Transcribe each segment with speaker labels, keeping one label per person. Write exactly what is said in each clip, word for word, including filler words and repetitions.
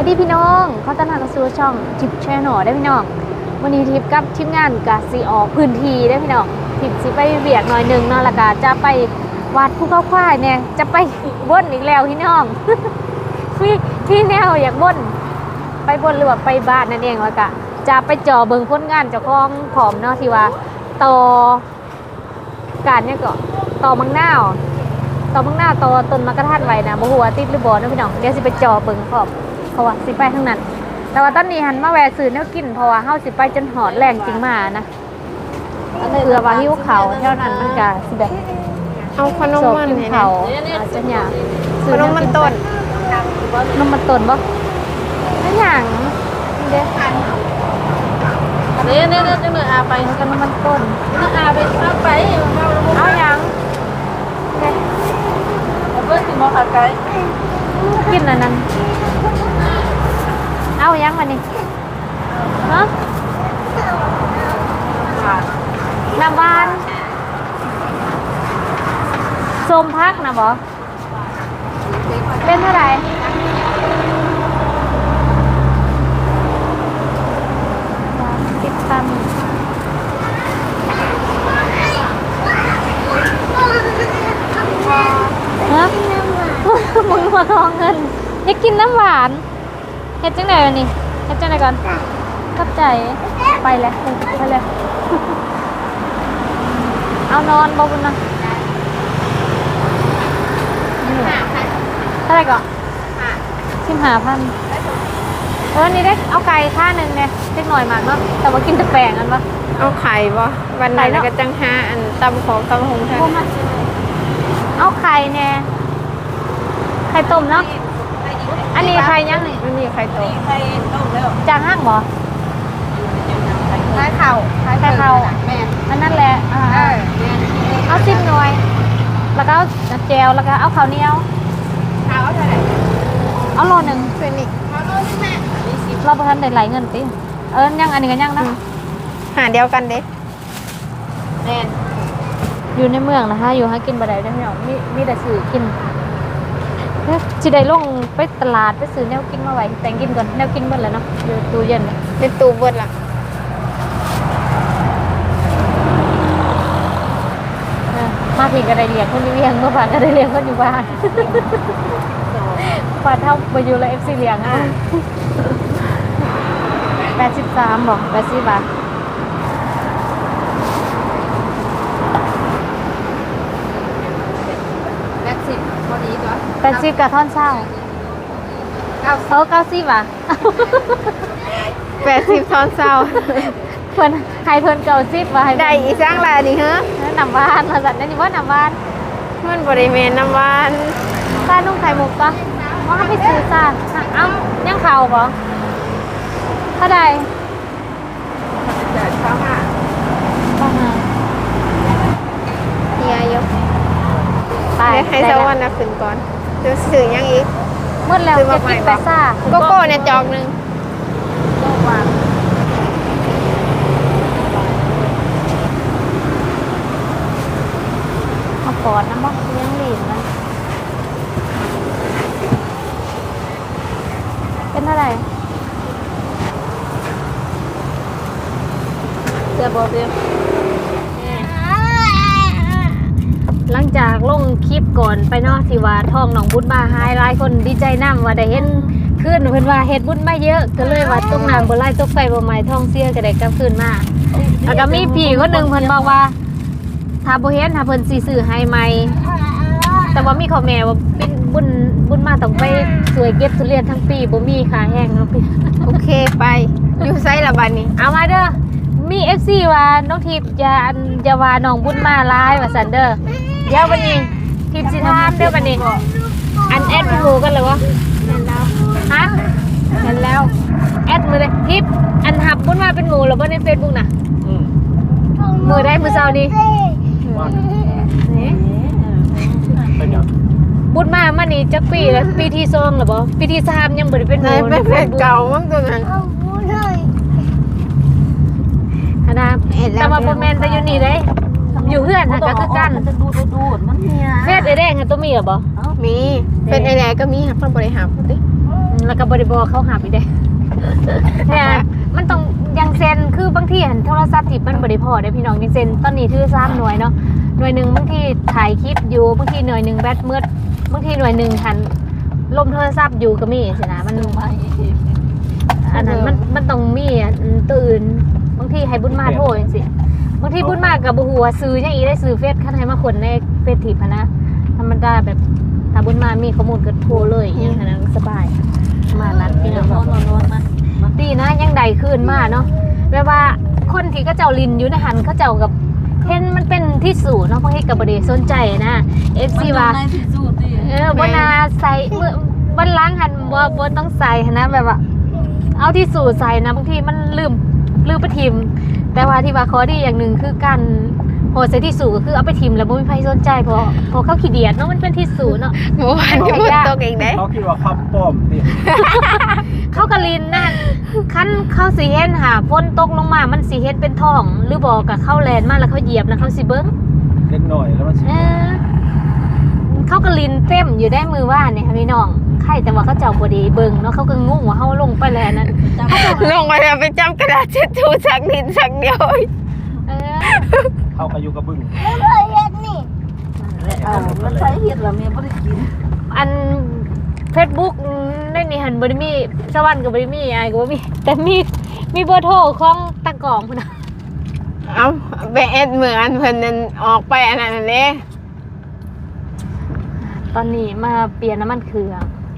Speaker 1: วัสดีพี่น้องเขาต้อนรับสู่ช่องทิปแชนแนลได้พี่น้องวันนี้ทิปกับทีมงานกาซีออกพื้นที่ได้พี่น้องทิปสิไปเบียกหน่อยหนึ่งเนาะแล้วก็จะไปวัดภูเขาควายเนี่ยจะไปบ่นอีกแล้วพี่น้อง พี่พี่แนวอยากบ่นไปบ่นหรือว่าไปบ้านนั่นเองแล้วก็จะไปจ่อเบิ่งผลงานเจ้าของผอมเนาะที่ว่าต่อการเนี่ยก็ต่อมังนาวต่อมังนาวต่อต้นมะกระทันไว้นะบ่ฮู้ว่าติดหรือบ่เนาะพี่น้องเดี๋ยวสิไปจ่อเบิ่งพร้อมเพราะว่าสิไปทางนั้นแต่ว่าตอนนี้หันมาแวะซื้อแนวกินเพราะว่าเฮาสิไปจนหอดแรงจริงมานะเพื่อว่าหิวเขาวเท่านั้นมันก็สิแบบ
Speaker 2: เอาขนมมัน
Speaker 1: กิน
Speaker 2: ให้
Speaker 1: เขา
Speaker 2: นะ
Speaker 1: อาจจะอยาก
Speaker 2: ขนมมันต้น
Speaker 1: ขนมมันต้นบ่ไม่หยังเด้อ
Speaker 2: เนี่ยเนี่ยเนี่ยเนี่ยอาไป
Speaker 1: ขนมมันต้น
Speaker 2: เนี่ยอาไปเอาไป
Speaker 1: เอาหยัง
Speaker 2: เอาเพื่อนสิมอขาไก่
Speaker 1: กินอันนั้นเอาหยังมานี่ฮะน้ำหวานส้มพักนะบ่เป็นเท่าไหร่สิบพันฮะมึงมาทองเงินอยากกินน้ำหวานเฮ็ดจังไหนวะนี่เฮ็ดจังไหนก่อนเข้าใจไปเลยไปเลยเอานอนบ่บุญนะเท่าไหร่ก่อนสิบห้าพันเออนี่ได้เอาไก่ค่าหนึ่งเนี่ยเล็กหน่อยมากเนาะแต่ว่ากินแต่แปลงกันปะ
Speaker 2: เอาไข่บ่วันไหนก็จังห้าอันตำของตำหงค่ะ
Speaker 1: เอาไข่เนี่ยไข่ต้มเนาะอันนี้ไข่ยังนี่
Speaker 2: อันนี้ไข่ต้ม
Speaker 1: จางห้างบ่
Speaker 2: ไข่เข่า
Speaker 1: ไข่เข่าอันนั่นแหละอ่าเอาสิบหน่วยแล้วก็เอาแจวแล้วก็เอาข้าวเหนียว
Speaker 2: ข้าวเท่าไหร่
Speaker 1: เอาโลหนึ่ง
Speaker 2: เพื่อนนี่
Speaker 1: เราประทันได้ไหลเงินติเออยังอันนี้ก็ยังนะ
Speaker 2: หาเดียวกันเด้
Speaker 1: แน่นอยู่ในเมืองนะคะอยู่หากินบ่ได้ได้ไหมอ่ะมีมีแต่ซื้อกินสิได้ลงไปตลาดไปซื้อแนวกินมาไว้แต่งกินก่อนแนวกินหมดแล้วเนาะอยู่ตู้เย็นเลย
Speaker 2: เป็นตูเบิดล่ะ
Speaker 1: เออมาถึงก็ได้เลี้ยงคนอยู่เวียงเมื่อผ่านก็ได้เลี้ยงคนอยู่บ้านผ่านเท่าไปอยู่แล้วเอฟซีเลี้ยงอ่ะแปดสิบสามบอกแปดสิบบาทแปดสิบพอดีตัวแปดสิบกับท่อนเศร้าเก้าเออเก้าสิบอ่ะ
Speaker 2: แปดสิบทอนเศร้า
Speaker 1: เพิ่นใครเพิ่นเก้าสิบมาให้
Speaker 2: ได้อีสร้างลายนี่ฮะ
Speaker 1: น้ำบ้านมาสั่นนี่ว่าน้ำบ้าน
Speaker 2: มันบริเวณน้ำหวาน
Speaker 1: ป้านุ่งไข่มุกปะว่าไปซื้อซ่าเอ้ายังเข่าปะเท่าใด
Speaker 2: เดินเข้ามา
Speaker 1: ประมาณ
Speaker 2: เฮียยก
Speaker 1: ไป
Speaker 2: ให้สวรรค์นะขึ้นก่อนจะสื่อยังอีก
Speaker 1: หมดแล้วจะกินไปซ่า
Speaker 2: โกโก้เนี่ยจอกหนึ่ง
Speaker 1: วางเอาปอดน้ำมันยังหลีนนะเป็นเท่าไหร่เสือบอกเดียวหลังจากลงคลิปก่อนไปเนาะที่ว่าทองหนองบุญมาหายหลายคนดีใจน้ำว่าได้เห็นขึ้นเพิ่นว่าเฮ็ดบุญมาเยอะก็เลยว่าตกน้ำบ่ไหลตกไฟบ่ไหม้ทองเสียก็ได้กลับคืนมาแล้วก็มีพี่คนหนึงเพิ่นบอกว่าถ้าบ่เห็นถ้าเพิ่นสิซื้อให้ใหม่แต่ว่ามีข้อแม้ว่าเป็นบุญบุญมาต้องไปสวยเก็บทุเรียนทั้งปีบ่มีค่าแห้งเนาะพี่
Speaker 2: โอเคไปอยู่ไซละบันนี้
Speaker 1: เอามาเด้อมี เอฟ ซี ว่าน้องทิพย์อย่าอันอย่าว่าน้องบุญมาหลายว่าซั่นเด้อเดี๋ยววันนี้ทิพย์สิถามเด้อวันนี้อันแอดหมู่กันเลยวะ
Speaker 2: เห็นแล้ว
Speaker 1: ฮะ
Speaker 2: เห็นแล้ว
Speaker 1: แอดมือเลยทิปอันหับบุญมาเป็นหมูหรือว่าในเฟซบุ๊กน่ะมือได้มือเช้านี้บุญมามันนี่จักปีแล้วปีที่สองหรือเปล่าปีที่สามยังบ่ได้เป็นห
Speaker 2: ไหน
Speaker 1: มู
Speaker 2: เป็นเพจเก่ามั้งตัวนั้น
Speaker 1: อันนะแต่ว่าบ่แม่นแต่อยู่นี่เด้อยู่เฮือนน่ะก็คือกันเฟซไอ้แดงตัวมีหรอบ่
Speaker 2: มีเป็นไอแดก็มีค่ะคนบริหารพูดดิ
Speaker 1: แล้วก็บริบอเขาหาไปได้เนี่ยมันต้องยังเซ็นคือบางทีหันโทรศัพท์ที่มันบริพอได้พี่น้องยังเซ็นตอนนี้ถือสามหน่วยเนาะหน่วยหนึ่งบางทีถ่ายคลิปอยู่บางทีหน่วยหนึ่งแบตมืดบางทีหน่วยหนึ่งหันลมโทรศัพท์อยู่ก็มีสินะมันอันนั้นมันมันต้องมีตื่นบางทีให้บุญมาโทรจังซี่บางทีบุญมากับบุหัวซื้อยังอีได้ซื้อเฟซคันให้มาคนในเฟซทิปนะธรรมดาแบบถ้าบุญมามีข้อมูลก็โทรเลยอย่างนั้นสบายมานั้นพี่น้องนอนนอนมาดีนะยังใดขึ้นมาเนาะแปลว่าคนที่ก็เจ้าลินอยู่ในหันเขาเจ้ากับเห็นมันเป็นที่สูเนาะเพราะให้กับบริสนใจนะเอฟซีว่าเออวันนาใส่เมื่อวันล้างหันว่าบนต้องใส่นะแบบว่าเอาที่สูใส่นะบางทีมันลืมลืมไปทิมแต่ว่าที่ว่าข้อดีอย่างหนึ่งคือการโหดใส่ที่สูก็คือเอาไปทิมแล้วไม่มีใครสนใจเพราะเพราะเขาขี้เดียดเนาะมันเป็นที่สูเนาะ
Speaker 2: หมู่บ้านก็บ่ตกอีกเด้
Speaker 3: เขาคิดว่าคำป้อมติ
Speaker 1: เขากะลินนั่นคันเข้าสีเห็นหาฝนตกลงมามันสีเห็นเป็นท้องหรือบอกกับเข้าแลนมาแล้วเขาเหยียบแล้วเขาสิเบิ้ง
Speaker 3: เล็กหน่อยแล้วมันสิ
Speaker 1: เออเขากะลินเต็มอยู่ได้มือว่าเนี่ยค่ะพี่น้องใครแต่ว่าเขาเจ้าบดีเบิ้งเนาะเขาก็งงว่าเขาลงไปแล้วนั่น
Speaker 2: ลงไปแล้วไปจับกระดาษเช็ดถูสักนิดสักเดียว
Speaker 1: เออ
Speaker 3: เข้ากับอยู่กับบึ้ง
Speaker 4: เออมันใช้เห็ดแล้วแม่บ่ได้กิน
Speaker 1: อันเฟซบุ๊กในนี่หันบริมีสวรรค์กับบริมีอะไรก็บ่มีแต่มีมีเบอร์โทรของตะกองพุ่นนะ
Speaker 2: เอ้าไปเอ็ดเหมือนเพิ่นนั่นออกไปอันนั้นเด้
Speaker 1: ตอนนี้มาเปลี่ยนน้ำมันเครื่อง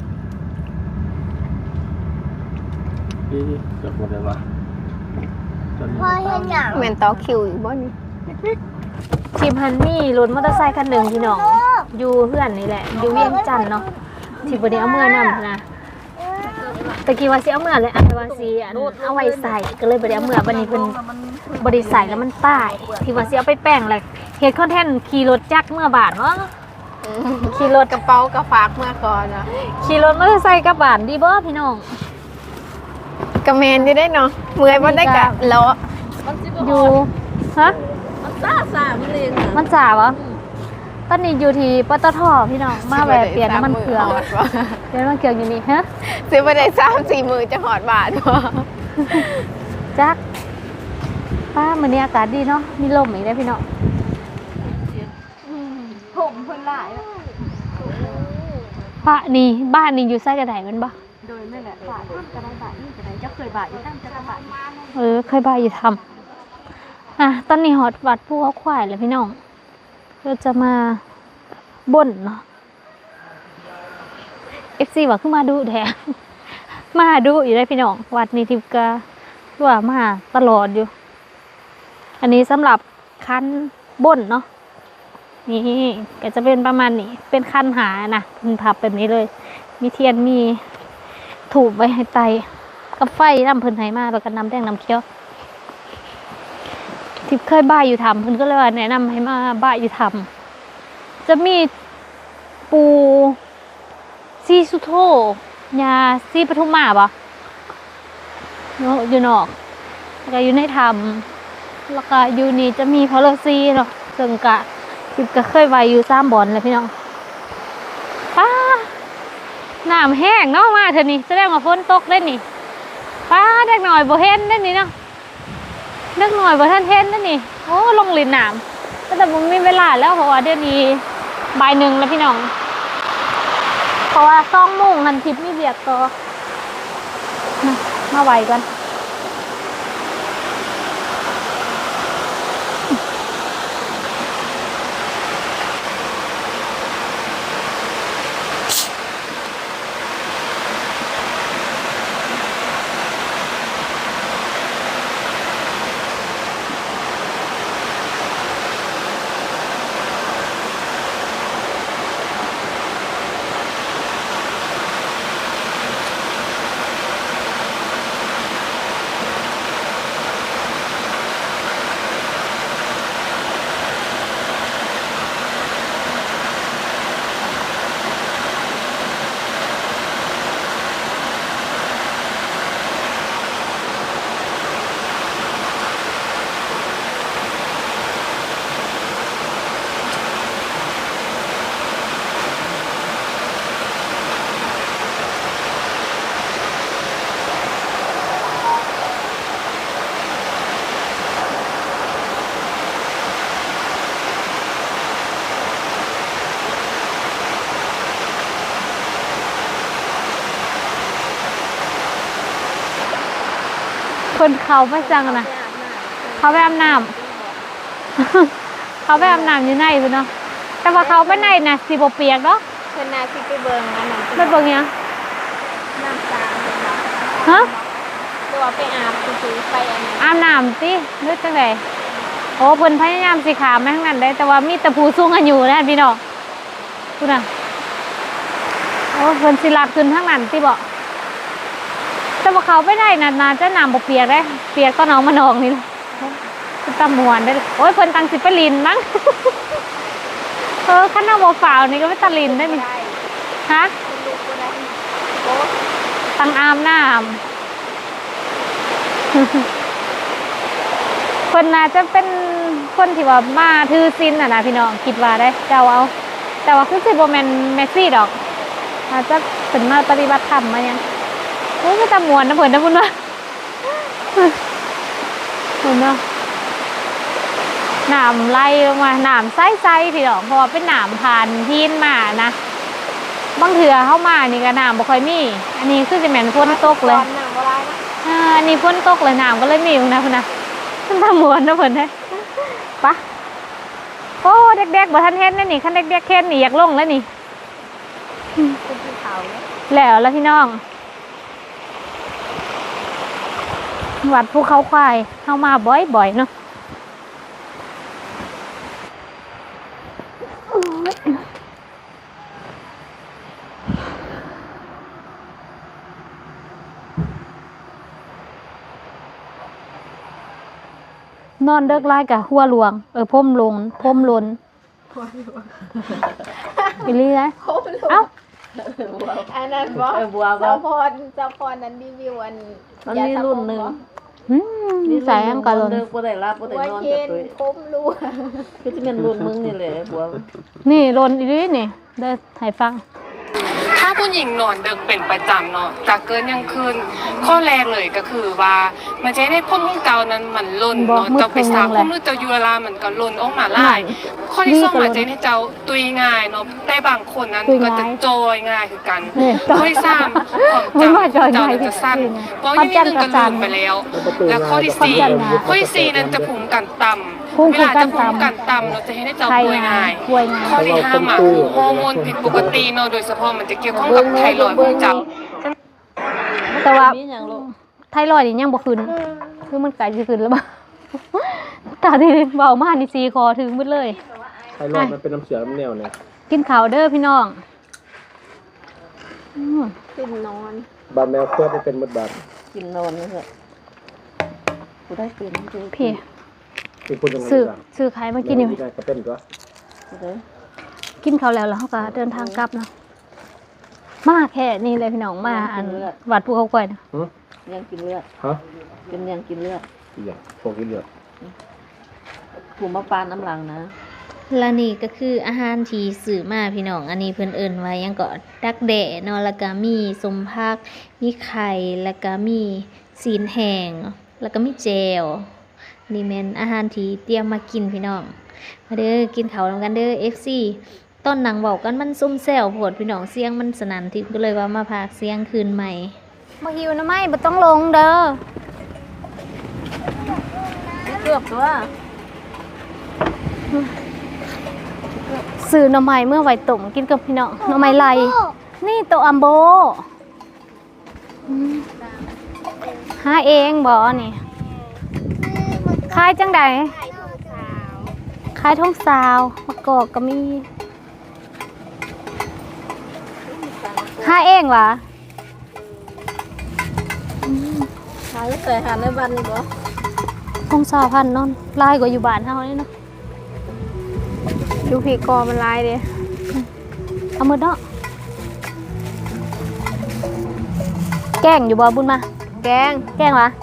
Speaker 3: พี่เกือบหมดเลยว่ะจน
Speaker 4: พ่อเห็นหยัง
Speaker 2: แม่นต่อคิวอีกบ่นี่
Speaker 1: ทีมฮันนี่รถมอเตอร์ไซค์คันหนึ่งพี่น้องอยู่เพื่อนนี่แหละอยู่เวียงจันทน์เนาะที่บไดีเอาเมื่อนำนะตะกี้ว่าสิเอาเมื่อเลยอันว่าสิอันเอาไว้ใส่ก็เลยบไดีเอาเมื่อวันนี้เพิ่นบไดีใส่แล้วมันป้ายที่ว่าสิเอาไปแป้งเลยเฮ็ดคอนเทนต์ขี่รถจักรเมื่อบาทเนาะขี่รถ
Speaker 2: กระเป๋ากระฝากเมื่อก่อนเนาะ
Speaker 1: ขี่รถมอเตอร์ไซค์กลับบานดีบ่พี่น้อง
Speaker 2: กระเมนอยู่ได้เนาะเมื่อยบ่ได้กะเลาะ
Speaker 1: อยู่ฮะ
Speaker 4: มันซ่าซ่ามันเองน่ะ
Speaker 1: มันสาวะตอนนี้อยู่ที่ปตทพี่น้องมาแวะเปลี่ยนน้ำมันเครื่องเปลี่ยนน้ำมันเครื่องอยู่นี่ฮะ
Speaker 2: ซื้อบ่ได้สามสี่มื้อจะหอดบาทบ่
Speaker 1: จักป้ามื้อนี้อากาศดีเนาะมีลมอีกแล้วพี่น้อง
Speaker 4: ผมเพิ่นหลาย
Speaker 1: ป้านี่บ้านนี่อยู่ไส้กระไดแมันบ่
Speaker 4: โดยนั่นแหละบาทกระไดบาทนี่กระไดจะเคยบาทอยู่ตั้งกระบาท
Speaker 1: เออเคยบ้าอยู่ทำอ่ะตอนนี้ฮอตวัดผู้เขาควายเลยพี่น้องเราจะมาบ่นเนาะ เอฟ ซี ว่าขึ้นมาดูแท้ มาดูอยู่ได้พี่น้องวัดนี้ทิพกาว่ามาตลอดอยู่ อันนี้สำหรับคันบ่นเนาะนี่ก็จะเป็นประมาณนี้เป็นคันหานะพึงทับแบบนี้เลย มีเทียนมีถูกไว้ให้ไตกับไฟน้ำเพิ่นให้มาแล้วก็น้ำแดงน้ำเขียวทิพเคยบ้าอยู่ทำเพิ่นก็เลยว่าแนะนำให้มาบ้าอยู่ทำจะมีปูซีสุโธยาซีปทุมมาปะเนาะอยู่นอกแล้วก็อยู่ในธรรมแล้วก็อยู่นี่จะมีพอลซีเนาะซึ่งกะทิพก็เคยไว้อยู่สามบอนเลยพี่น้องป้าน้ำแห้งเนาะมาเถอะนี่แสดงว่าฝนตกได้นี่ป้าเด็กหน่อยบ่เห็นได้นี่เนาะเด็กหน่อยบ่ท่านเห็นได้นี่โอ้ลงลินน้ำแต่ผมมีเวลาแล้วเพราะว่าเดี๋ยวนี้บ่ายหนึ่งแล้วพี่น้องเพราะว่าซ่องมุ่งนันทิพมีเบียกต่อมามาไหวกันคนเขาไปจังนะเขาไปอาบน้ำ เขาไปอาบน้ำอยู่ในเพิ่นเนาะแต่ว่าเขาไปในน่ะสิบ่เปียกเนาะ
Speaker 2: เพิ่นน่าสิไปเบิ่งอันนั้น
Speaker 1: ไปเบิ่งหยัง
Speaker 2: น้ำตาเพิ่นว่า
Speaker 1: ฮะ
Speaker 2: ตัวไปอาบซื่อๆไปอันนั้น
Speaker 1: อาบน้ำติหรือจังไดโอ้เพิ่นพยายามสิขามไปทางนั้นได้แต่ว่ามีแต่ผู้สูงอายุนะพี่น้องพูดน่ะโอ้เพิ่นสิลัดขึ้นทางนั้นติบ่แต่ว่าเขาไปได้น่ะน่าจะน้ำบ่เปียกได้เปียกก็น้องมานองนี่แหละคือตำมวนได้โอ้ยเพิ่นตั้งสิไปลินมั้ง เออคันเอาบ่ฝ่าวนี่ก็ไปตะลินได้นี่ฮะ
Speaker 2: คุณลูกบ่ได้โอ้
Speaker 1: ตังอามน้ำ คนน่าจะเป็นคนที่ว่ามาถือศีลน่ะนะพี่น้องคิดว่าได้เจ้าเอา แต่ว่าคือสิบ่แม่นแม็กซี่ดอกอาจจะเป็นมาปฏิบัติธรรมมายังโอ้ยก็ตามวนนะเพิ่นนะพุ่นว่า เพิ่นเนาะน้ำไหลลงมาน้ำใสๆพี่น้องเพราะว่าเป็นน้ำผ่านหินมานะบางเถื่อเข้ามานี่ก็น้ำบ่ค่อยมีอันนี้คือจะแม่นฝนตกเลย
Speaker 2: ตอนน้ำบ่ได้นะ
Speaker 1: อ่าอันนี้ฝนตกเลยน้ำก็เลยมีอยู่นะพุ่นนะขึ้นทางมวนนะเพิ่นเด้ปะโอ้เด็กๆบ่ทันเฮ็ดแน่นี่คันเด็กๆเฮ็ดนี่อยากลงแล้วนี่
Speaker 2: เป็นภูเขาเนี่ย
Speaker 1: แล้วแล้วพี่น้องวัดภูเขาควายเข้ามาบ่อยๆเนาะนอนเลิกไล่กับหัวหลวงเออพ่มลงพ่มลนไปเรื่อยเอ้า
Speaker 2: อันนั้นบ่
Speaker 4: เออบัวบ่
Speaker 2: เจ้าพรเจ้าพรนั้นรีวิวอัน
Speaker 4: มันมีรุ่นหนึ่ง
Speaker 1: อืมใส่อังกะลน
Speaker 4: เลิกบ่ได้รับบ่ได้
Speaker 2: บัวน
Speaker 4: อน
Speaker 2: เย็
Speaker 4: กับ
Speaker 2: น
Speaker 4: ตัว
Speaker 2: คมรัว
Speaker 4: คือสิเป็นรุ่นมึงนี่แหละบัว
Speaker 1: นี่ลนอีนี่นี่ได้ให้ฟัง
Speaker 5: ถ้าผู้หญิงนอนดึกเป็นประจำเนาะจะเกินยังคืนข้อแรกเลยก็คือว่ามันจะได้พ่นของเก่านั้นมันล่น
Speaker 1: บอก
Speaker 5: เนาะ
Speaker 1: มืด
Speaker 5: เจ้าไปสาว
Speaker 1: เพิ่งลงแหละ
Speaker 5: พ่นหรือเจ้ายูรามันก็ล่นออกมาไล่ข้อที่สองมันจะให้เจ้าตุยง่ายเนาะแต่บางคนนั้น
Speaker 1: ตุย
Speaker 5: ก็
Speaker 1: ง่าย
Speaker 5: จะจอยง่ายคือกัน
Speaker 1: นี่
Speaker 5: ข้อที่สามความ
Speaker 1: ไม่ว่า
Speaker 5: จำ
Speaker 1: จอย
Speaker 5: เจ้า
Speaker 1: ง่าย
Speaker 5: จะสั้น
Speaker 1: คือ
Speaker 5: เพราะอยังนี้นึงก็ลืมไปแล้ว แล้วข้อที่สี่
Speaker 1: ความจำง่าย
Speaker 5: ข้อที่สี่นั้นจะภูมิกันต่ำ
Speaker 1: ภูมิ
Speaker 5: เวลา
Speaker 1: กั
Speaker 5: จะ
Speaker 1: น
Speaker 5: ภู
Speaker 1: ต่ำ
Speaker 5: มิกันต่ำเราจะให้ได้เจ้า
Speaker 1: ใคร
Speaker 5: ป่วยง่าย
Speaker 1: ป่วยง่าย
Speaker 5: ข้อที่ห้าหมาคือฮอร์โมนผิดปกติเนาะโดยเฉพาะมันจะเกี่ยวข้องกับไทรอยด์ของเจ้า
Speaker 1: แต่ว่า
Speaker 4: มีหยังลูก
Speaker 1: ไทรอยด์นี่ยังบ่ขึ้นคือมันไกลสิขึ้นแล้วบ่ ตาที่เบามากนี่ซีคอถึงหมดเลย
Speaker 3: ไทรอยด์มันเป็นน้ำเสือน้ำแนวเนี่ย
Speaker 1: กินข้าวเด้อพี่น้องอืม
Speaker 2: ขึ้นนอน
Speaker 3: บาดแมวเพื่อมันเป็นมดบาด
Speaker 4: กินนอนนี่แหละกูได้เป็นกู
Speaker 1: พี่
Speaker 3: คือคนยังไง
Speaker 1: ซื้อ
Speaker 3: บ้าง
Speaker 1: ซื้อขายมากินนี่
Speaker 3: ได้ก็เป็นตัว
Speaker 4: กูได้
Speaker 1: กินข้าวแล้วแล้วเขาก็เดินทางกลับเนาะมาแค่นี้เลยพี่น้องมาอันวัดภูเขาควายนะ
Speaker 3: หือ
Speaker 4: ยังกินเลือด
Speaker 3: ฮะ
Speaker 4: เป็นยังกินเลือด
Speaker 3: อีกอย่างพวกกินเลือด
Speaker 4: ผูมาปานน้ำหลังนะ
Speaker 1: และนี่ก็คืออาหารที่สื่อมาพี่น้องอันนี้เพิ่นเอิ้นไว้ยังก็ดักแด่เนาะแล้วก็มีสมผักมีไข่แล้วก็มีซีนแห้งแล้วก็มีแจวนี่แม่นอาหารที่เตรียมมากินพี่น้องมาเด้อกินข้าวนำกันเด้อ เอฟ ซี ตอนหนังเว้ากันมันซุ่มแซวโพดพี่น้องเสียงมันสนั่นทิพย์ก็เลยว่ามาพากเสียงคืนใหม่บ่หิวนะไม่บ่ต้องลงเด้อ
Speaker 4: เกือบตัว
Speaker 1: ซื้อหน่อไม้เมื่อไหวต้มกินกับพี่น้องหน่อไม้ไหลนี่โตอัมโบอืมหาเองบ่นี่ขายจังใดขายท้องสาวมะกอกก็มีหาเองวะ
Speaker 4: หาแต่หาในบ้านนี่บ่
Speaker 1: ท้องสาวพันเนอนลายกว่าอยู่บ้านเฮานี่เนาะ
Speaker 2: ดูผีกอมันลายเด้
Speaker 1: เอามือเนาะแกงอยู่บ่บุญมา
Speaker 2: แกง
Speaker 1: แกงวะ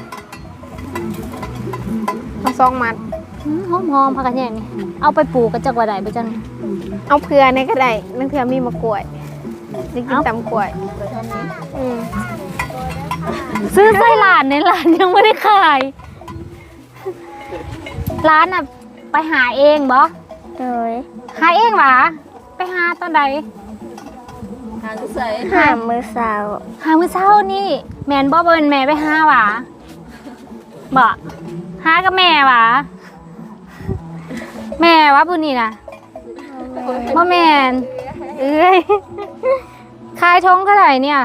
Speaker 2: เอาซองมัด
Speaker 1: อืมหอมๆผักกระแยงนี่เอาไปปลูกกระจักว่าได้บ่จัง
Speaker 2: เอาเผื่อในก็ได้นั่นเผื่อมีมะกล้วยจะกินตำกล้วยอืม
Speaker 1: ซื้อไส้หลานในร้านยังไม่ได้ขายร้านอ่ะไปหาเองบ่
Speaker 2: เลย
Speaker 1: หาเองหวะไปหาตอนใด
Speaker 4: หาที่ใส่
Speaker 2: หามือสาว
Speaker 1: หามื้อเช้านี่แม่นบ่เบิ่นแม่ไปหาหวะบ่หากับแม่วะแม่วะผู้นี้นะพ่อแม่นเอ้ยขายทงเท่าไหร่เนี่ย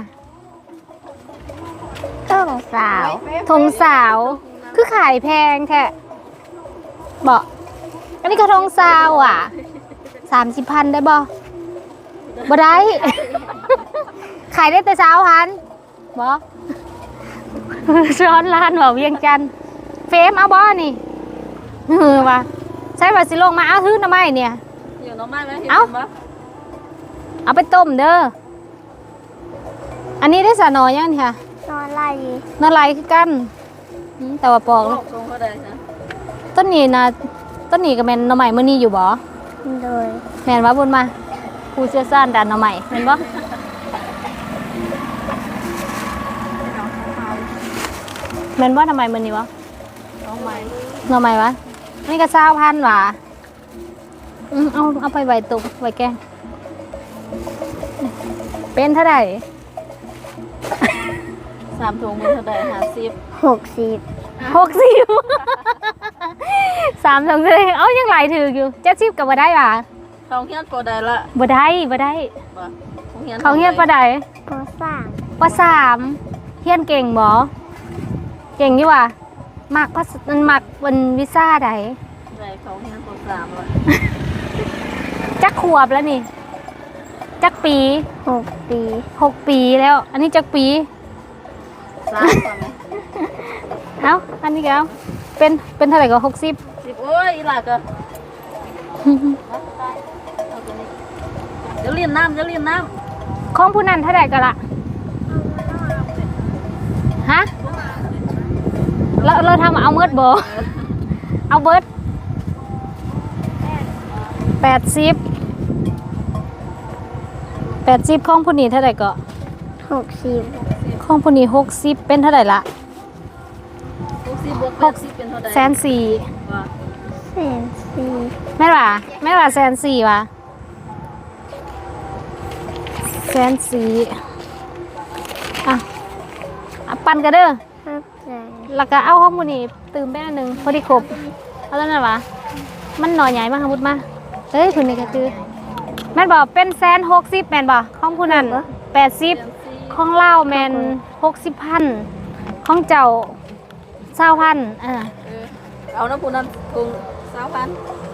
Speaker 2: ต้องสาว
Speaker 1: ทงสาวคือขายแพงแท้บ่อันนี้กระทงสาวอ่ะสามสิบพันได้บ่บ่ได้ ขายได้แต่สาวพันบ่ช้อนร้านบ่เวียงจันทน์เฟมเอาบ่นี่เออว่ะใช่ว่าสิลงมาเอาทื้อหน่อไม้เนี่ย
Speaker 4: อยู่น้องมาไหมเห็น
Speaker 1: เอ้า
Speaker 4: บ่
Speaker 1: เอาไปต้มเด้ออันนี้ได้สะหนอยังนี่ค่ะ
Speaker 2: นอนไล่
Speaker 1: นอลายคือกันอืมแต่ว่าปอก
Speaker 4: โล
Speaker 1: แล้ว
Speaker 4: กทรงเขาได้นะ
Speaker 1: ต้นนี้นะต้นนี้ก็แม่นหน่อใหม่มื้อนี้อยู่บ่
Speaker 2: โดย
Speaker 1: แม่นว่าบุญมาผู้เชี่ยวชาญด้านหน่อใหม่แม่นบ่แม่นบ่หน่อใหม่มื้อนี้บ่
Speaker 4: น้องใหม่
Speaker 1: หน่อใหม่วะนี่ก็เก้าพันว่ะอืมเอาเอาไปไว้ตุกไว้แกงเป็นเท่าไหร่
Speaker 4: สามถุงเป็นเท่าใดห้าสิบ
Speaker 2: หกสิบ
Speaker 1: หกสิบ สามสองเลยเอ้ายังหลายถืออยู่เจ็ดสิบก็บ่ได้ว่ะ
Speaker 4: เขาเฮียนพอได้ละ
Speaker 1: บ่ได้บ่ได้
Speaker 4: บ่เขาเฮียน
Speaker 1: เขาเฮียนปะได
Speaker 2: ปสาม
Speaker 1: ปสามเฮียนเก่งบ่เก่งอยู่ว่ะมักภาษามันมักเป็นวิซ่าใด
Speaker 4: ได้เขาเฮียนปสามละ
Speaker 1: จักขวบแล้วนี่จักปี
Speaker 2: หกปี
Speaker 1: หกปีแล้ว อันนี้จักปี
Speaker 4: สามกว่าไหม
Speaker 1: เอ้าอันนี้ก็เอาเป็นเป็นเท่าไหร่ก็หกสิบ
Speaker 4: สิบโอ้ยอีหลาก็เดี๋ยวเรียนน้ำเดี๋ยวเรียนน้
Speaker 1: ของผู้นั้นเท่าไหร่ก็ละฮะเราเราทำเอาเมิดบ่เอาเบิดแปดสิบแปดสิบของผู้นี้เท่าไหร่ก็
Speaker 2: หกสิบ
Speaker 1: ของผู้นี้หกสิบเป็นเท่าไหร่ละ
Speaker 4: ำหกสิบบวกแปดสิบเป็นเท่าใด
Speaker 1: แสนสี่
Speaker 4: ว่า
Speaker 2: แสนสี่
Speaker 1: แม่ล่ะแม่ล่ะแสนสี่วะแสนสี่อ่ะอ่ะปันกันเด้อ
Speaker 2: ห้าแสน
Speaker 1: แล้วก็เอาห้องมูนี่ตื่มไปอันหนึ่งพอดีครบเอาแล้วนะวะมันหน่อใหญ่มากค่ะมุดมาเอ้ยคุณนี่ก็คือแม่นบอกเป็นแสนหกสิบแม่นบอกของผู้นั้นแปดสิบของเล่าแมนหกสิบพันของเจ้าเศร้าพันอ่า
Speaker 4: เออเอาน้ำปูนั้นถุงสามพัน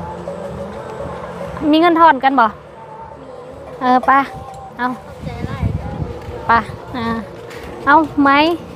Speaker 1: มีเงินทอนกันบ่เออไปเอาไปอ่าเอาไหม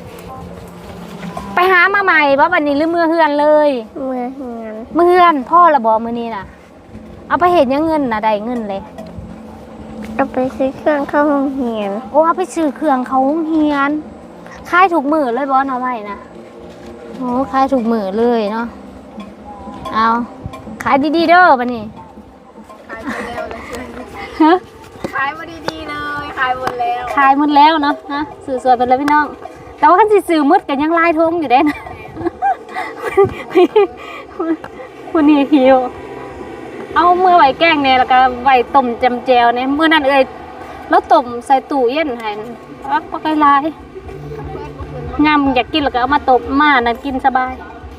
Speaker 1: ไปหามาใหม่ว่าวันนี้หรือมือเฮือนเลย
Speaker 2: เมื่อเงิน
Speaker 1: มือเฮือนพ่อระบอมือนี้น่ะเอาไปเห็นยังเงินนะได้เงินเลย
Speaker 2: เราไปซื้อเครื่องเข้าห้องเรียน
Speaker 1: โอ้เอาไปซื้อเครื่องเขาโรงเฮียนขายถูกมือเลยบอสเอาไว้นะโอ้ขายถูกมือเลยเนาะเอาขายดีๆเด้อบันนี้
Speaker 4: ขายหมดแล้วเลย
Speaker 1: ฮะ
Speaker 4: ขายมาดีๆเลยขายหมดแล้ว
Speaker 1: ขายหมดแล้วเนาะนะสื่อสวยไปแล้วพี่น้องแต่ว่าคันสิสื่อมืดกันยังลายทงอยู่ได้นะ วันนี้หิวเอามือไหวแกล้งเนี่ยแล้วก็ไหวต้มจำแจวเนี่ยมือนั่นเอ้ยแล้วต้มใส่ตู้เย็นให้อักปลาไก่ลายงามอยากกินแล้วก็เอามาต้มมานั่นกินสบาย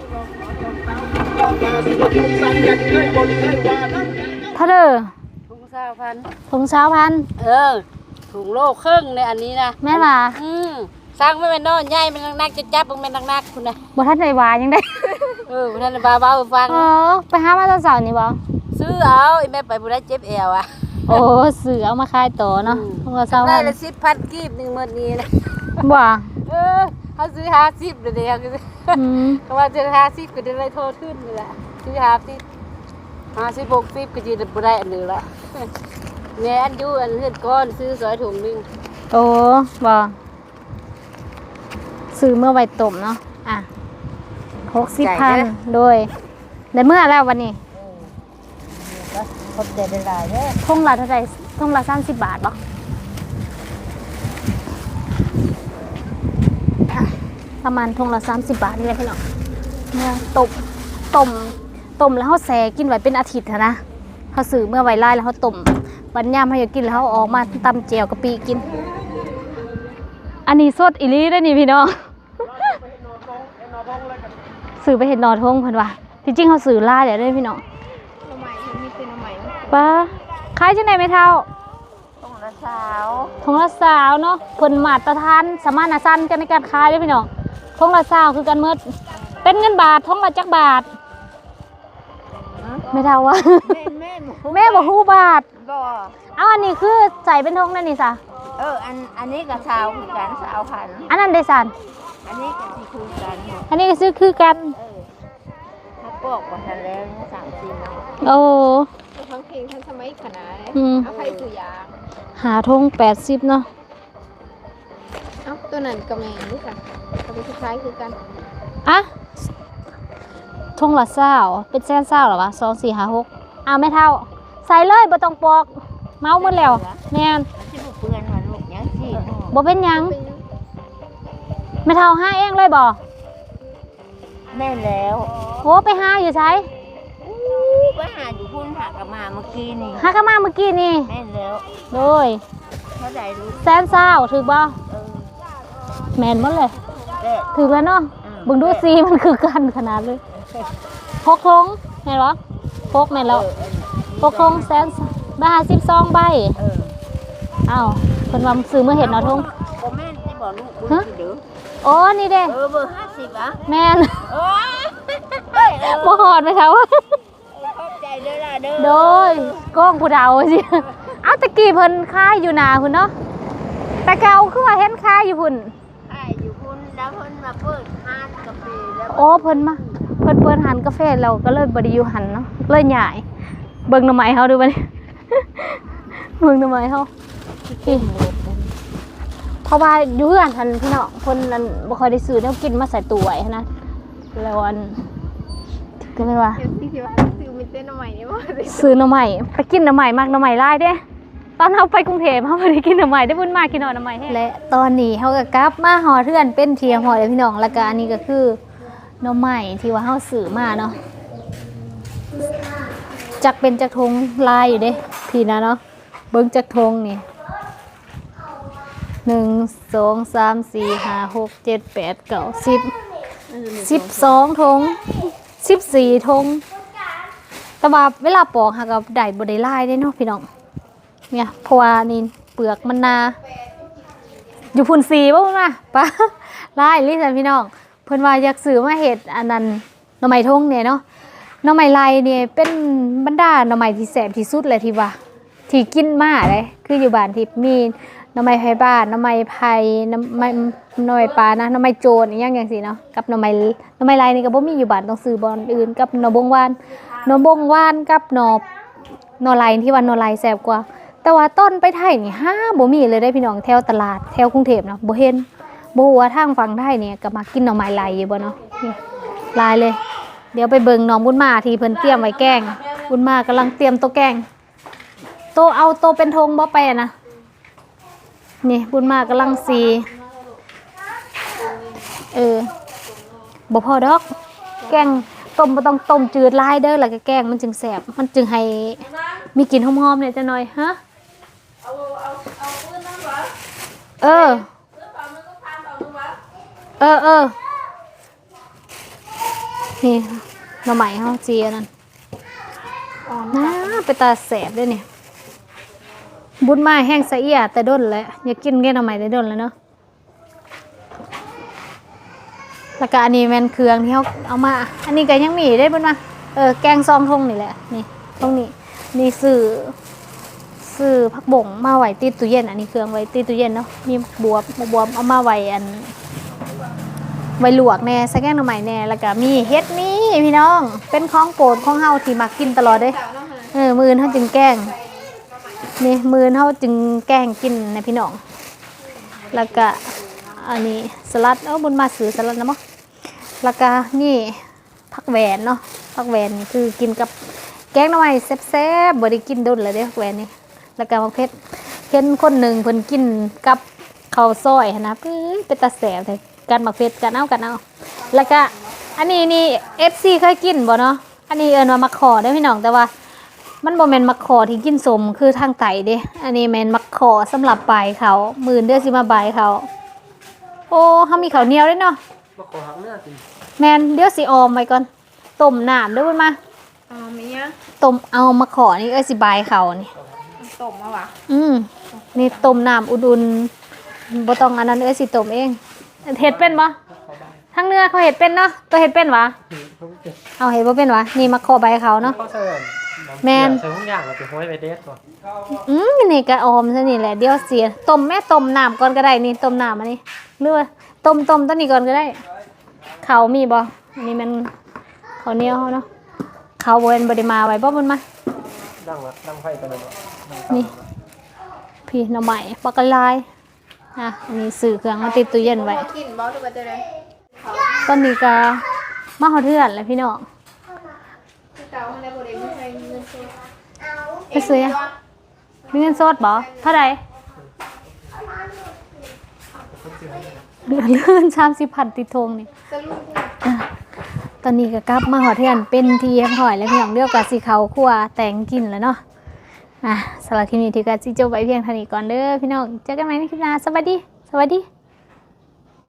Speaker 1: ถ้าเด้อ
Speaker 4: ถุงสามพัน
Speaker 1: ถุงเช้าพัน
Speaker 4: เออถุงโลครึ่งในอันนี้นะ
Speaker 1: แม่ล่ะ
Speaker 4: อืมสร้างไม่เป็นน้อยใหญ่เป็นนักๆจะจับมันเป็นนักๆคุณนะ
Speaker 1: บ่ทันได้หวานยังได้
Speaker 4: เออท่านบาเบาๆฟัง
Speaker 1: เออไปหามาตอนเสาร์นี่บ่
Speaker 4: ซื้อเอาไอ้แม่ไปบุได้เจ็บเอวอ่ะ
Speaker 1: โอ้สื่อเอามาขายต่อเนาะถุงละเช้า
Speaker 4: ได้
Speaker 1: พัน
Speaker 4: ละสิบพันกีบหนึ่งหมื่นนี้นะ
Speaker 1: บ่
Speaker 4: เออเขาซื้อห้าสิบเดี๋ยวเดียวก็
Speaker 1: อืม
Speaker 4: เขาว่าจะห้าสิบก็จะได้โทษขึ้นนี่แหละซื้อห้าสิบห้าสิบหกสิบก็จะบุได้อันหนึ่งละเนี่ยอันยูอันเลือดก้อนซื้อสอยถุงหนึ่ง
Speaker 1: โอ้บ่ซื้อเมื่อไว้ต้มเนาะอ่ะหกสิบพันโดยได้เมื่อแล้ววันนี้
Speaker 4: คนใจได้หลายเนี่ย
Speaker 1: ทุ่งละเท่าไหร่ทุ่งละสามสิบบาทบ่ประมาณทุ่งละสามสิบบาทนี่แหละพี่น้องเนี่ยต้มต้มต้มแล้วเขาแซ่กินไว้เป็นอาทิตย์อะนะเขาซื้อเมื่อไว้ไล่แล้วเขาต้มวันยามเขาอยากกินแล้วเขาเอาออกมาตำแจ่วกะปิกิน อันนี้สดอีหลีได้อนี่พี่น้องซื้อไปเห็ดนอทงเพิ่นว่าที่จริงเขาซื้อหลายแล้วเด้อพี่น้อง
Speaker 2: หน่อไม้มันมีเป็นหน่อไม้
Speaker 1: ป้าขายจังได๋แม่เฒ่า
Speaker 2: ต้องละสาว
Speaker 1: ทงละสาวเนาะเพิ่นมาตรฐานสมานฉันท์กันในการขายเด้อพี่น้องทงละสาวคือกันหมดเป็นเงินบาททงละจักบาทไม่เท่าว่า
Speaker 2: แม่นแม่น
Speaker 1: แม่บอกฮู้บาท
Speaker 2: บ่
Speaker 1: เอาอันนี้คือใส่เป็นทงนั่นนี่ซะ
Speaker 2: เอออันอันนี้ก็สาวคือกันสาวพัน
Speaker 1: อันนั้นได้สัน
Speaker 2: อันนี้ก็สิคือกัน
Speaker 1: อันนี้ก็ซื้อคือกัน
Speaker 2: เออถ้าปอกว่าทันแล้วเนี่ยสามสี่เนาะ
Speaker 1: โอ้
Speaker 2: ทั้งเพลงทั้งสมัยขนาด
Speaker 1: อืม
Speaker 2: เอาใครคือยาง
Speaker 1: หาทงแปดสิบเนาะ
Speaker 2: เอ้าตัวนั้นก็แม่นนี่ค่ะก็เป็นคล้ายๆคือกัน
Speaker 1: อะทงละเศร้าเป็นแสนเศร้าเหรอวะสองสี่ห้าหกเอาไม่เท่า ใส่เลยบ่ต้องปอก เมาหมดแล้วแม่น
Speaker 2: มันสิบ่เปื้อนมันลูกยังสิ
Speaker 1: บ่เป็นหยังไม่เท่าห้าเองเลยบ่
Speaker 2: แม่นแล้ว
Speaker 1: โอ้ไปห้าอยู่ใช้
Speaker 2: อู้ไปหาอยู่พุ่นหากะมาเมื่อกี้นี่
Speaker 1: ห้าก็มาเมื่อกี้นี่
Speaker 2: แม่นแล้ว
Speaker 1: โดย
Speaker 2: เท่าใดรู้
Speaker 1: แสนเศร้าถือบ่
Speaker 2: เออ
Speaker 1: แม่นหมดเลย
Speaker 2: แม่
Speaker 1: ถือแล้วเนาะเบิ่งดูสีมันคือกันขนาดเลยหกทงแม่นบ่หกแม่นแล้ว ปกครองแสนบาทสิบสองใบ
Speaker 2: เออ
Speaker 1: อ้าวเพิ่นว่าซื้อมื้อเห็ดเนาะทง
Speaker 2: บ่แม่นสิบ่ลูกบุญสิเด้อ
Speaker 1: โอ้นี่เด้
Speaker 2: เออเบอร์ห้าสิบอ่ะ
Speaker 1: แม่น
Speaker 2: โอ้ย
Speaker 1: บ่ฮอดไหมคะว่า
Speaker 2: ขอบใจเด้อล่ะเด้อ
Speaker 1: โดยก้องผู้เฒ่าสิเอาตะกี้เพิ่นขายอยู่หน้าพุ่นเนาะแต่เก่าคือว่าเห็นขายอยู่พุ่น
Speaker 2: ขายอยู่พุ่นแล้วเพิ่นมาเปิดร้านกาแฟแล้ว
Speaker 1: โอ้เพิ่นมาเพิ่นเปิดร้านกาแฟเราก็เลยบ่ได้อยู่หันเนาะเลยย้ายเบิ่งหน่อไม้เฮาดูบัดนี้ เบิ่งหน่อไม้เฮาพี่เพราะว่าอยู่เฮือนทันพี่น้องเพิ่นนั่นบ่ค่อยได้ซื้อแนวกินมาใส่ตู้ไว้หั้นนะแล้วอันก็เลยว่า
Speaker 2: เดี๋ยวสิสิว่าซื้อมีเต้นหน่อไม้นี่บ่ได้
Speaker 1: ซื้อหน่อไม้ไปกินหน่อไม้มากหน่อไม้ลายเด้ตอนเฮาไปกรุงเทพเฮาบ่ได้กินหน่อไม้ได้บุญมากกินหน่อไม้แท้และตอนนี้เฮาก็กลับมาหอเทือนเป็นเทียหอเลยพี่น้องแล้วก็อันนี้ก็คือหน่อไม้ที่ว่าเฮาซื้อมาเนาะจักเป็นจักทงลายอยู่เด้พี่นะเนาะเบิ่งจักทงนี่หนึ่ง สอง สาม สี่ ห้า หก เจ็ด แปด เก้า สิบ สิบสองทงสิบสี่ทงแต่ว่าเวลาปอกหากับได้บ่ได้ลายได้เนาะพี่น้องเนี่ยเพราะว่านี่เปลือกมันนาอยู่พุ่นสีบ่พุ่นมาป้าลายลิซันพี่น้องเพิ่นว่าอยากซื้อมาเฮ็ดอันนั้นหน่อไม้ทงเนี่ยเนาะหน่อไม้ลายเนี่ยเป็นบรรดาหน่อไม้ที่แซ่บที่สุดเลยที่ว่าที่กินมาเลยคืออยู่บ้านที่มีหน่อไม้ไผ่บ้านหน่อไม้ไผ่หน่อไม้หน่อไม้ปลานะหน่อไม้โจรอีหยังจังซี่เนาะกับหน่อไม้หน่อไม้ลายนี่ก็บ่มีอยู่บ้านต้องซื้อบ่อนอื่นกับหน่อบงหวานหน่อบงหวานกับหน่อหน่อลายที่ว่าหน่อลายแซ่บกว่าแต่ว่าต้นไปไทยนี่ห้าบ่มีเลยได้พี่น้องแถวตลาดแถวกรุงเทพเนาะบ่เห็นบ่ฮู้ว่าทางฝั่งไทยนี่ก็มากินหน่อไม้ลายอยู่บ่เนาะนี่ลายเลย เดี๋ยวไปเบิ่งน้องบุญมาที่เพิ่นเตรียมไว้แกงบุญมากำลังเตรียมโต๊ะแกงโต๊ะเอาโต๊ะเป็นธงบ่ไปอะนะนี่บุญมากำลังสีเออบ่พอดอกแกงต้มบ่ต้องต้มจืดหลายเด้อแล้วก็แกงมันจึงแซ่บมันจึงให้มีกลิ่นหอมๆเนี่ยจังหน่อยฮะเออเออเออนี่หน่อไม้เฮาจีอันนั้นน่าไปตาแสบด้วยนี่บุญมาแห้งสะเอียแต่ด้นแล้วอยากกินแกงหน่อไม้แต่ด้นแล้วเนาะแล้วก็อันนี้แม่นเครื่องที่เฮาเอามาอันนี้ก็ยังมีได้บุญมาเออแกงซองทงนี่แหละนี่ตรงนี้นี่ซื้อซื้อผักบ่งมาไว้ติดตู้เย็นอันนี้เครื่องไว้ติดตู้เย็นเนาะมีบวบบวบเอามาไว้อันใบลวกแน่ใส่แกงหน่อไม้แน่แล้วก็มีเฮ็ดมีพี่น้องเป็นของโปรดของเฮาที่มักกินตลอดเด้เออมื้อเฮาจึงแกงนี่มื้อเฮาจึงแกงกินนะพี่น้องแล้วก็อันนี้สลัดเอ้าบุญมาซื้อสลัดนะมั้งแล้วก็นี่ผักแหวนเนาะผักแหวนนี่คือกินกับแกงหน่อไม้แซ่บๆบ่ได้กินโดนเลยเด้ผักแหวนนี่แล้วก็มะเขือเห็นคนหนึงเพิ่นกินกับข้าวซอยหั่นนะปื้อเป็นตาแซ่บเลยกันมักเผ็ดกันเอากันเอาแล้วก็อันนี้นี่ เอฟ ซี เคยกินบ่เนาะอันนี้เอิ้นว่ามักขอเด้อพี่น้องแต่ว่ามันบ่แม่นมักขอที่กินสมคือทางไตเด้อันนี้แม่นมักขอสำหรับปลายเขามื้อเด้อสิมาบายเขาโอ้เฮามีข้าวเหนียวด้วยเนาะ
Speaker 3: มาขอหักเนื้อสิ
Speaker 1: แมนเดี๋ยวสิออมไว้ก่อนต้มน้ำเด้วยมา
Speaker 2: อ๋อมีอ่ะ
Speaker 1: ต้มเอามาขอนี่เอ้ยสิบายเขานี่
Speaker 2: ต้มมาวะ
Speaker 1: อืมนี่ต้มน้ำอุ่นๆบ่ต้องอันนั้นเอ้ยสิต้มเองเฮ็ดเป็นบ่ทั้งเนื้อเขาเฮ็ดเป็นเนาะตัวเฮ็ดเป็นวะเอาเฮ็ดบ่เป็นวะนี่มาขอใบเขาเนาะ
Speaker 3: เขาใส่
Speaker 1: แมน
Speaker 3: ใส่ทุกอย่างเราไปห้อยไปเด็ดก่อน
Speaker 1: อืมนี่ก็ออมซะนี่แหละเดี๋ยวเสียต้มแม่ต้มน้ำก่อนก็ได้นี่ต้มน้ำอันนี้หรือว่าต้มต้มตัวนี้ก่อนก็ได้เขาวมีบ่อันนี้มันข้าวเหนียวเนาะเขาวบ่เห็นบ่ได้มาไว้บ่มันมา
Speaker 3: ดังละดังไฟไปเลย
Speaker 1: นี่พี่หน่อไม้ปลากระลายอ่ะมีสื่อเครื่องมาติดตู้เย็นไว้
Speaker 2: กินบ่หรือว่าจะได้
Speaker 1: ตอนนี้ก็มาฮอดเทือนแล้วพี่น้อง
Speaker 2: เก่าอะไรบ่ได้ไม่ใช่เงินซื้อ
Speaker 1: ไปซื้ออะมีเงินสดบ่เท่าไหร่เหลือเลื่อนสามสิบพันติดทงนี่
Speaker 2: สรุป
Speaker 1: อ่ะตอนนี้ก็กลับมาฮอดเทือนเป็นทีเรียบร้อยแล้วพี่น้องเดียวกับสีเขาวคั่วแต่งกินแล้วเนาะอ่ะสำหรับคลิปนี้ที่ก็สิจบไว้เพียงเท่านี้ก่อนเด้อพี่น้องเจอกันใหม่ในคลิปหน้าสวัสดีสวัสดี